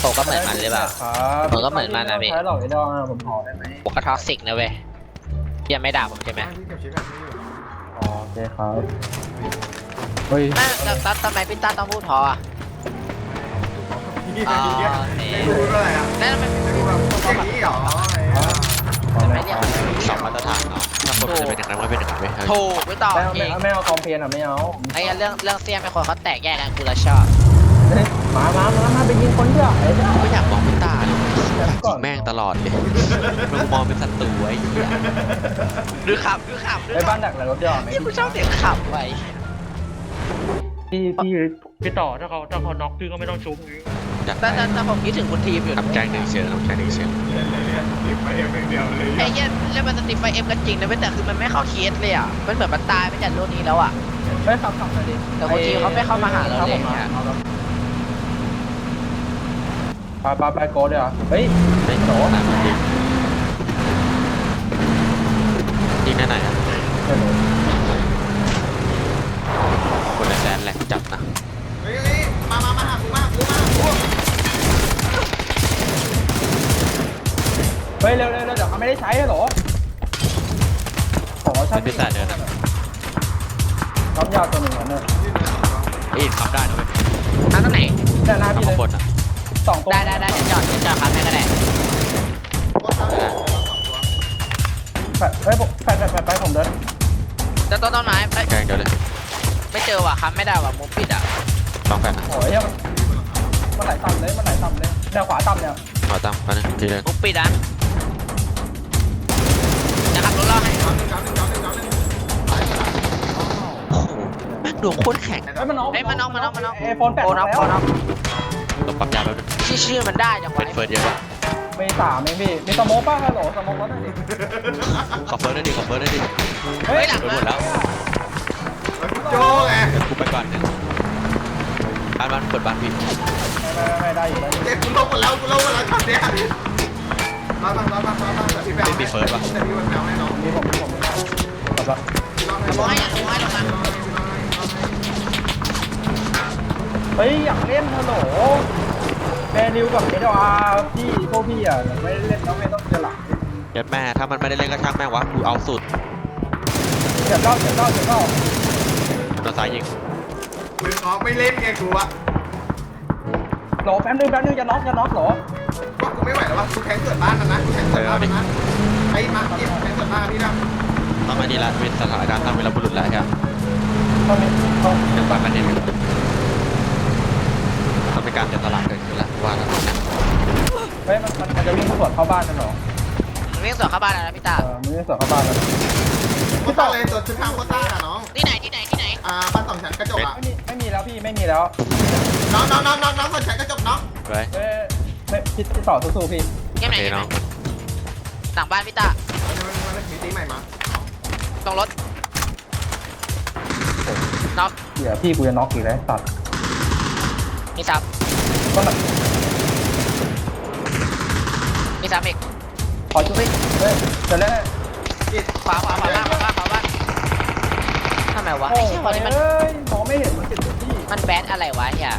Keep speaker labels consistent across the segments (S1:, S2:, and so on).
S1: ผมก็เหมือนมันหรือเปล่า ผมก็เหมือนมันนะพี่
S2: ใช้หลอกไอ้ดองผมขอได้ไหม
S1: ผมก็ท็อกซิกนะเว้ยยังไม่ด่าผมใช่ไหม
S3: พี่เก็บชิปแบบนี้อยู่
S2: อ๋อโอเคครับเฮ้ย
S1: แล้วทำไมพี่ต้าต้องพูดพออ่ะ
S3: พี่
S1: อ๋อ
S3: ไม่รู้ด้วยอ่ะ
S1: แล้วทำไม
S3: ไม่รู้แบบอย่างนี้หรอ
S1: ไม่เรียก
S4: สองมาตรฐานเนาะถ้าคนมันจะเป็นอย่างนั้นก็เป็นอย่างนั้นไหม
S1: ถูกไม่ต่อ
S2: ไม่
S1: เอง
S2: ไม่เอาคอมเพลนอ่ะไม่เอา
S1: ไอ้เรื่องเสี้ยนเป็นคนเขาแตกแยกกันกูละชอบ
S2: มาไปยิงคนเดียวไอ้เจ้า
S4: ไม่อยากมองเป็นตาเลยอยากยิงแม่งตลอดเลยมึงมองเป็นศัตรูไอ้เหี้ย
S1: ดูขับ
S2: ไอ้บ้านดักหลังรถเดียวไม่
S1: ที่กูชอบเสียงขับไว้
S5: พี่ต่อถ้าเขาน็อกพี่ก็ไม่ต้องชุบ
S4: อยาก
S1: แต่ผมคิดถึงคุณทีมอยู่
S4: ทำแกงหนึ่งเชียร์ทำแกงหนึ่งเชียร์
S3: ชิปไปเองเดียวเลย
S1: ไอ้เหี้ยเล่นมันสติไฟเอ็มกันจริงนะแต่คือมันไม่เข้าเคสเลยอ่ะมันเหมือนมันตายไปจากโลกนี้แล้วอ่ะ
S2: ไม่ขับเลยดิ
S1: แต่คุณทีมเขาไม่เข้ามาหาเราเลยเนี่ย
S2: ไปโกเดี๋ยวเฮ้ย
S4: ไม่โตนะยิงได้ไหนอ่ะคนในแดนแหลกจับนะ
S3: เฮ้ยมาหากูมา
S2: เฮ้ยเร็วเดี๋ยวเขาไม่ได้ใช้หรอขอช่าง
S4: เป็นพิซซ่าเดินนะ
S2: ทำยาตัวหนึ่งเนี่ย
S4: เอ้ยทำได้นะเว้ย
S1: ทำตรงไหน
S2: แต่หน้า
S4: ทำ
S2: พี่เล
S4: ข้างบ
S2: ย
S4: นอ่ะ
S2: สองตัว
S1: ได้เดี๋ยวจอดครับแม่ก็ได้
S2: เฮ้ยไปผมเดิน
S1: จะต้นไม้
S4: แกงเดียวเลย
S1: ไม่เจอว่ะครับไม่ได้ว่ะมุมปิดอ่ะ
S4: ลองแฟนนะ
S2: โอ้ยมันไหลต่ำเลยแนวขวาต่ำเนี่ย
S4: ขอตั้งกันนะทีเดียว
S1: มุมปิดอ่ะนะครับรถล่อให้
S4: แม่งดวงโคตรแข็ง
S2: ไอ้มันน้องไอโฟน8
S1: โอนอฟ
S2: แล้ว
S1: โอนอฟ
S4: ต้องปรับยาแป๊บนึง
S1: ชื่อมันได้จังหวะ
S4: เป็นเฟิร์สเยอะปะ
S2: มี3เองพี่มีสโมกป่ะฮัลโหลสโมกแล้วนั่นดิ
S4: ขอเฟิร์สได้ดิขอเฟิร์สได้ดิ
S1: เฮ้ยหลัง
S4: โดนหมดแล้ว
S3: โจ้ไง
S4: เดี๋ยวกูไปก่อนหนึ่งบ้านเปิดบ้านพี่
S2: ไม่ได้อยู่
S3: เด็กกูลงหมดแล้วช็อตเนี้ยมาแต่พี่แปลแต่พี่มันแปลให้น้อง
S2: มีผมแบบว่า
S1: ลงให้ลงมา
S2: เฮ้ยอยากเล่นฮัลโหลแมนิวกับเอเดอาร์พี่พวกพี่อ่ะไม่เล่นแล้วไม่ต้องเจอหลัง
S4: ยัดแม่ถ้ามันไม่ได้เล่นก็ช่างแม่งวะกูเอาสุด
S2: เจ็บเล่า
S4: โดนซ้ายยิง
S3: มึงออกไม่เล่นไงกูอะ
S2: โหลแป๊บนึงจะน็อกหรอ
S3: ก็กูไม่ไหวแล้ววะกูแข่งเกิดบ้านนะกูแข่งเกิดบ้านนะไอ้มาเก็บแข่งเกิดบ้านพี่นะ
S4: ต้องมาดีละเป็นสถานการณ์ทำเวลาบุรุษแล้วใช่ไหม
S2: เขาไม่เขา
S4: ยังบ้านมันเด่นต้องเป็นการเดินตลาดเกิดขึ้นแล้วว่าแล้วนะ
S2: เฮ้ยมันจะวิ่งสวนเข้าบ้านกันหรอ
S1: วิ่งสวนเข้าบ้านแล้วนะพี่ตา
S2: มันวิ่งสวนเข้าบ้านแล้ว
S3: โคต้าเลยตัวชุดทางโคต้าอะน้อง
S1: ที่ไหน
S3: บ้านสองชั้นกระจกอะ
S2: ไม่มีแล้วพี่ไม่มีแล้ว
S3: น้องสนใจกระจกน้อง
S4: ไว้
S2: ไม่พี่ต่อสู้พี่
S1: เกมไหน
S4: น้อง
S1: หลังบ้านพี่ตา
S3: มันมีตีใหม่มา
S1: ตรงรถน็อก
S2: เดี๋ยวพี่กูจะน็อกอีกแล้วตัด
S1: มีซับ
S2: ก็แบบ
S1: มีซับอีก
S2: ขอช่วยเฮ้ยจะเล่น
S1: ขวาบ้านทำไมวะ
S2: โอ้
S1: ไอ้เชี่ยวันนี้มัน
S2: ยมองไม่เห็นมันติดที่
S1: มันแบดอะไรวะเฮีย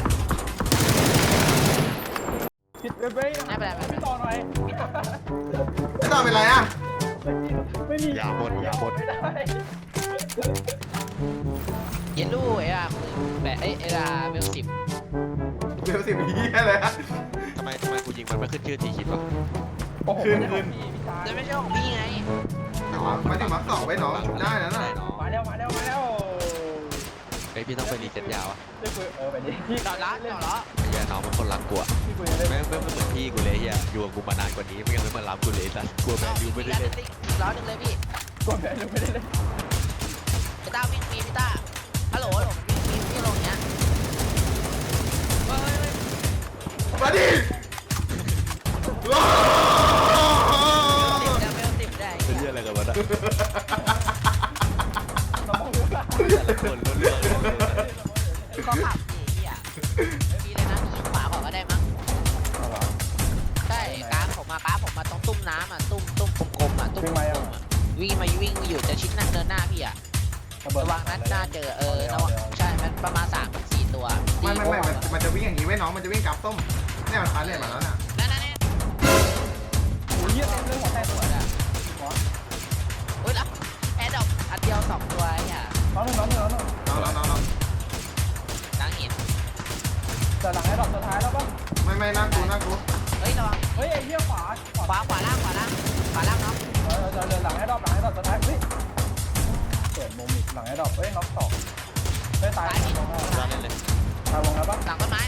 S2: ผิดเว้ยพี่ต่อหน่อย
S3: ไม่ต้องเป็นไรอะ
S2: ไม่มี
S4: อย่าบ่น
S2: ไม่ได้
S1: เยลลู่ไอ้อะแบบไอ้อะเบล10
S3: เบล10ยี่เลยอะ
S4: ทำไมกูยิงมันไม่ขึ้นชื่อทีคิดวะ
S2: โอ้โห
S1: จะไม่ใช่ของพี่ไง
S3: มาถึงมาสองไว้น้องได้แล้วนะ
S2: มาแล้ว
S4: ไอพี่ต้องไปรีเซ็ตยาวะ
S2: ไปดิพี่
S1: ต่อละ
S4: เฮียน้องมันคนรักกูอะ
S2: พี่กูจะเล่น
S4: แม่งเหมือนพี่กูเลยเฮียอยู่กับกูมานานกว่านี้ไม่งั้นไม่มารับกูเลยสัสกลัวแมนยูไม่ได้เล่น
S1: ร้อยหนึ่งเลยพี่
S2: กดแพ้ไม่ได้เล่น
S1: พี่ต้าวิ่งมีพี่ต้าฮัลโหลมันวิ่งมีที่ลงเนี้ย
S3: มาดิ
S1: เบล10ได้
S4: เป็นเรื่องอะไรกันวะนะ
S2: น้ำมัน
S4: คนเรื่อง
S1: ก็ขับดีเฮียไม่มีเลยนะยิงขวาก่อนก็ได้มั้งใช่กราฟผมมาตรงตุ้มน้ำอ่ะตุ้มกลมๆอ่ะตุ้มวิ่งมาอยู่จะชิดนั่งเดินหน้าพี่อ่ะระวังนัดหน้าเจอระวังใช่มันประมาณ3-4 ตัว
S3: ไม่มันจะวิ่งอย่างนี้ไว้น้องมันจะวิ่งกับส้มเนี่ยมันพาเนี่ยมาแล้วน่ะ
S1: นั่นๆ
S2: โอ้ยเหี้ยเต็มเลยหัวแตก
S1: ๆสวยอ่ะอุ้ยแล้วแอร์ดรอปอันเดียว2ตัวไอ้อ่ะ
S2: น้องหนึ่ง
S3: น้อง
S1: ล้างหิน
S2: แต่หลังให้ดอกสุดท้ายแล้วป่ะ
S3: ไม่น่ากู
S1: เฮ้ยระวัง
S2: เฮ้ยไอ้เหี้ยขวา
S1: ขวาล่างเนาะ
S2: เดินหลังให้ดอกสุดท้ายเฮ้ยเปิดมุมอีกหลังให้ดอกเฮ้ยน็อกสองเฮ้ยตาย
S4: รอเล่นเลย
S2: ตายวงแล้วป่ะ
S1: หลังต้นไม้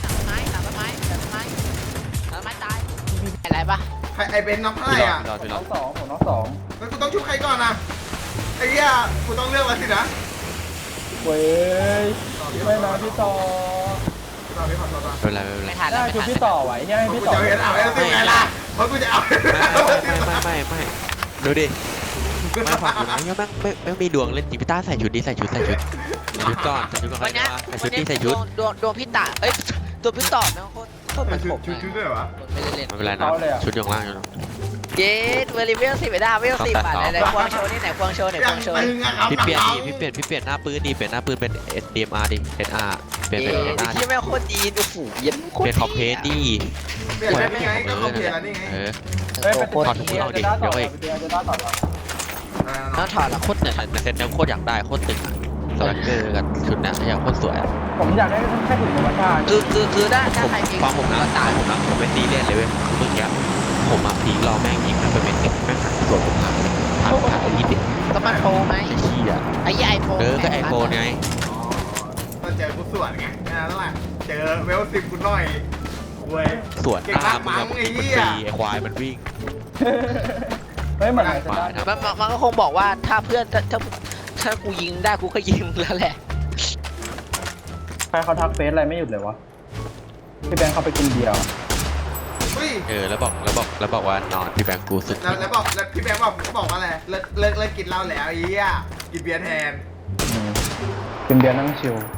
S1: ตายอะไรปะ
S3: ใครไอเบนน้ำไพ่อ่ะ
S4: พี่รอ
S2: น็อกสองผมน็อกสอง
S3: แล้วกูต้องชุบใครก่อนนะไอ้เหี้ยกูต้องเลือกแล้วสินะ
S2: เว้ยไม่นะพี่ต่อ
S3: ต่อพี่ขอโทษต่อ
S4: ไม่เป็นไรไม่เป็นไร
S1: ไม่ทัน
S2: ได้
S1: แล้ว
S2: คือพี่ต่อไหวยังให้
S3: กู
S2: พี่
S3: จะ
S2: ต่อ
S3: เอาเห็นเอาแล้วสิไงล่ะเพราะกูจะเอา
S4: ไม่ดูดิไม่ฝักอยู่นะยังไม่มีดวงเล่นจริงพี่ต้าใส่ชุดนี้ใส่ชุดก่อนใส่ชุดก่อน
S1: วันนี้
S4: ใส่ชุดนี้ใส่ชุด
S1: ดวงพี่ตาเอ้ยตัวพี่ต่อแม่งโคตรเหมือนผม
S3: ชุดด้วยวะ
S1: ไม่ได้เล่น
S4: ไม่เป็นไรนะชุดอยู่ข้างล่างอยู่
S1: เย้เวลิเวล10ไปได้เวล10บาทไหนควงโชว์นี่ไหนควงโชว์
S4: พี่เปลี่ยนหน้าปืนดิเปลี่ยนหน้าปืนเป็น SDMR ดิ SR เปลี่ยนเป็น SR
S1: ที่แม่งโคตรดีโอ้โหเย็นโคตร
S4: เปลี่ยนคอมเพลสดิ
S3: เปลี่ยนได้ไงก็เขาเปลี่ยนแล้วนี่ไง
S4: เออ
S2: เฮ้ยไปจะได้ต่อเรา
S1: ต้องถอดละโคตรเหนื่อย
S4: ในเซตนี้โคตรอยากได้โคตรตึงอ่ะสแลกเกอร์กับชุดนี้อยากโคตรสวย
S2: ผมอยากได้แค่ถึงธรรมชาติ
S1: คือถ้า
S4: ผม
S1: ใครมี
S4: ฟังผมนะ
S1: ตาย
S4: ผมเป็นซีเรียสเลยเว้ยเมื่อกี้ผมมาพีรอแม่งยิงนะเป็นเม็ดแม่งหันสวนผมหันอีดิ
S1: ก็มันโปรไหม
S4: ไอ้ขี้อ่ะ
S1: ไอ้ยี่ไอโฟน
S4: ก็ไอโฟนไง
S3: ต้องเจอกูสวนไงนั่นแหละเจอเวล10กูหน่อยเว้ย
S4: สวนหน้ามึงกับมันตีไอควายมันวิ่ง
S2: เฮ้ยเหมือนจะได้
S1: มันก็คงบอกว่าถ้าเพื่อนถ้ากูยิงได้กูก็ยิงแล้วแหละ
S2: ใครเขาทักเฟซอะไรไม่หยุดเลยวะพี่แบงค์เขาไปกินเบียร์
S4: แล้วบอกว่านอนพี่แบงค์กูสุด
S3: แล้วบอกแล้วพี่แบงค์บอกว่าอะไรเลิกกินเหล้าแล้วไอ้เหี้ยกินเบียร์แทน
S2: กินเบียร์นั่งชิล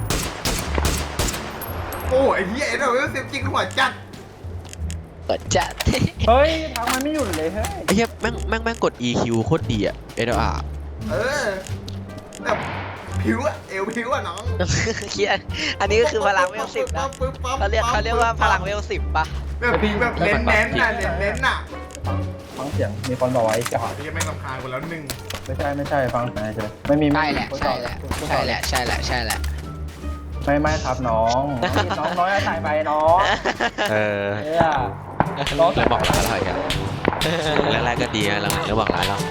S3: โอ้ไอ้เหี้ยเราเวล10จริงหัวจัด
S1: เปิดจัด
S2: เฮ้ยทักมันไม่หยุดเลยเฮ้ย
S4: ไอ้เหี้ยแม่งกด EQ โคตรดีอ่ะ SLR
S3: แบบผิวอะเอวผิวอะน้อง
S1: เครียดอันนี้ก็คือพลังเวล10นะเขาเรียกว่าพลังเวล10ป่ะ
S3: แบบผิวแบบเน้นน่ะ
S2: ฟังเสียงมีคนบอกไว้จะ
S3: พี่ยังไม่รำคาญกูแล้วหนึ่ง
S2: ไม่ใช่ฟังเสียงเฉยไม่มี
S1: ใช่แหละ
S2: ไม่ครับน้องน้อยใส่ไปน้อง
S4: เออ
S2: เนี่ยน้อง
S4: แล้วบอกร้ายเราอีกอ่ะแรกๆก็ดีนะหลังๆแล้วบอกร้ายเรา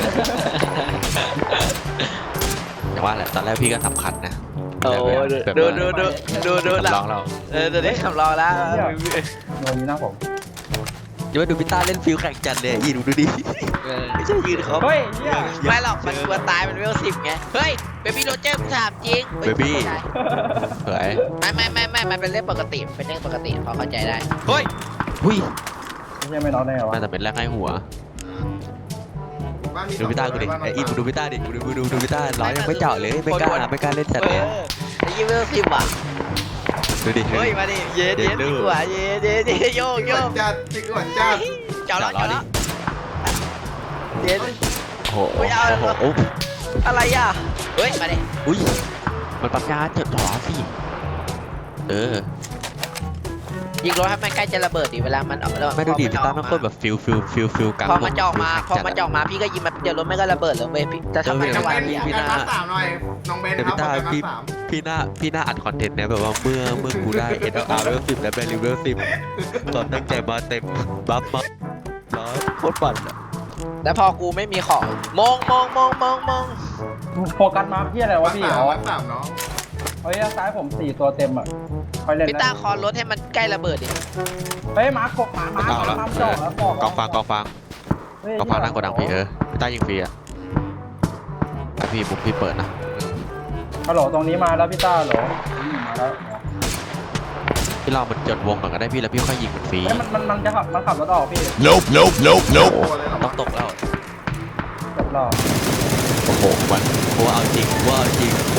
S4: แต่ว่าแหละตอนแรกพี่ก็สำคัญนะ
S1: โอ้ดูหลั
S4: ลองเรา
S1: ตัวนี้คำรองแล้ว
S2: โดนนี้หน้าผม
S4: เดี๋ยวดูพี่ต้าเล่นฟิลแข่งจันเลยอีดูดิไม่ใช่ยืนเขา
S2: เฮ้ยเนี่ย
S1: ไม่หรอกมันกลัวตายมันเวล10ไงเฮ้ยเบบี้โรเจอร์ถามจริง
S4: เบบี้เผย
S1: ไม่มันเป็นเรื่องปกติเป็นเรื่องปกติพอเข้าใจได้
S4: เฮ้ยหุ้ย
S2: ไม่ใช่ไม่น้องได้เหรอ
S4: มันจะเป็นแรกให้หัวดูพี่ต้ากูดิไอ้อีดูพี่ต้าดิดูพี่ต้าร้อยยังไม่เจาะเลยไม่กล้าเล่นจัดเลย
S1: ไอ้ยี่เวล10อ่ะ
S4: ดูดิ
S1: เฮ้ยมาดิเย็ดดีกว่าเย็ดโยก
S3: จัดจิกหัวจัด
S1: เจาะแล้วเย็ด
S4: โอ้โห
S1: อะไรอ่ะเฮ้ยมาดิ
S4: อุ้ยมันปักยาจดหรอสิ
S1: ยิงรถให้มันใกล้จะระเบิดดิเวลามัน
S4: ไม่ดูดิพี่ต้ามันโคตรแบบฟิลกลาง
S1: พอมันจะออกมาพี่ก็ยิงมันเดี๋ยวรถไม่ก็ระเบิดเลยเว้ยพี่จะทำไม
S3: น้
S1: จั
S3: อง
S1: งหวะ
S3: เบน
S1: นี้
S3: การรักษาหน่อยน้องเบน
S4: แต่
S3: ครับ
S4: พี่ต้า
S3: การรักษา
S4: พี่หน้าอัดคอนเทนต์เนี่ยแบบว่าเมื่อกูได้ SLR เลเวล10และแบริเวล10ตอนตั้งใจมาเต็มบัฟมาโคตรปั่นอ่ะ
S1: แล้วพอกูไม่มีของมอง
S2: โฟกัสมาที่อะไรวะพี่อ๋อ
S3: รักษาน้อง
S2: เฮ้ยซ้ายผม4ตัวเต็มอ่ะค่อยเล่น
S1: พี่ตาคอนรถให้มันใกล้ระเบิดดิ
S2: เฮ้ยมาร์กบมาจ่อแล้ว
S4: กองฟางนั่งกดดังพี่พี่ต้ายิงฟรีอ่ะพี่บุกพี่เปิดนะ
S2: ฮัลโหลตรงนี้มาแล้วพี่ต้าเหรอมาแล้ว
S4: พี่ลองมันจดวงก่อนก็ได้พี่แล้วพี่ค่อยยิงมันฟรี
S2: มันจะขับรถออกพี่
S3: Nope
S4: ต้องตกแล้ว
S2: จบรอ
S4: โอ้โหมันว่าเอาจริงอุ้ย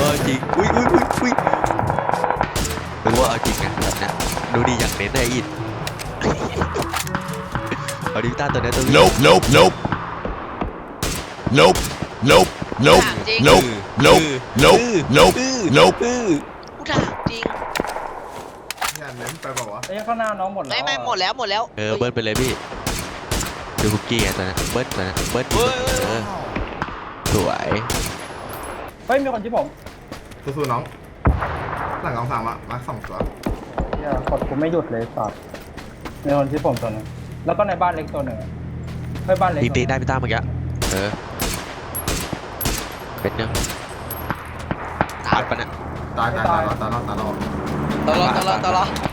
S4: เป็นว่าเอาจริงไงแบบนี้ดูดีอย่างเน้นได้อินเอาดิต้าตัวนี้ตัวนี้
S3: Nope
S1: ถามจริง กูถามจริง
S3: อย่าเน้นไปบอกว่า
S2: ไอ้ข้างหน้าน้องหมดแล้ว
S1: ไม่หมดแล้วหมดแล้ว
S4: เบิ้ลไปเลยพี่ดูคุกกี้อ่ะตอนนั้นเบิ้ลตอนนั้นเบิ้ลสวย
S2: เฮ้ยมีคนที่ผม
S3: สู้ๆน้องหลังกองสามอะมา2 ตัว
S2: เฮียกดกูไม่หยุดเลยสัตว์มีคนที่ผมตัวหนึงแล้วก็ในบ้านเล็กตัวหนึ่งเฮ้ยบ้านเล็ก
S4: ตีได้พี่ต้าเมื่อกี้เป็นยังปัดปะเนี่ย
S3: ตาย
S1: ตลอด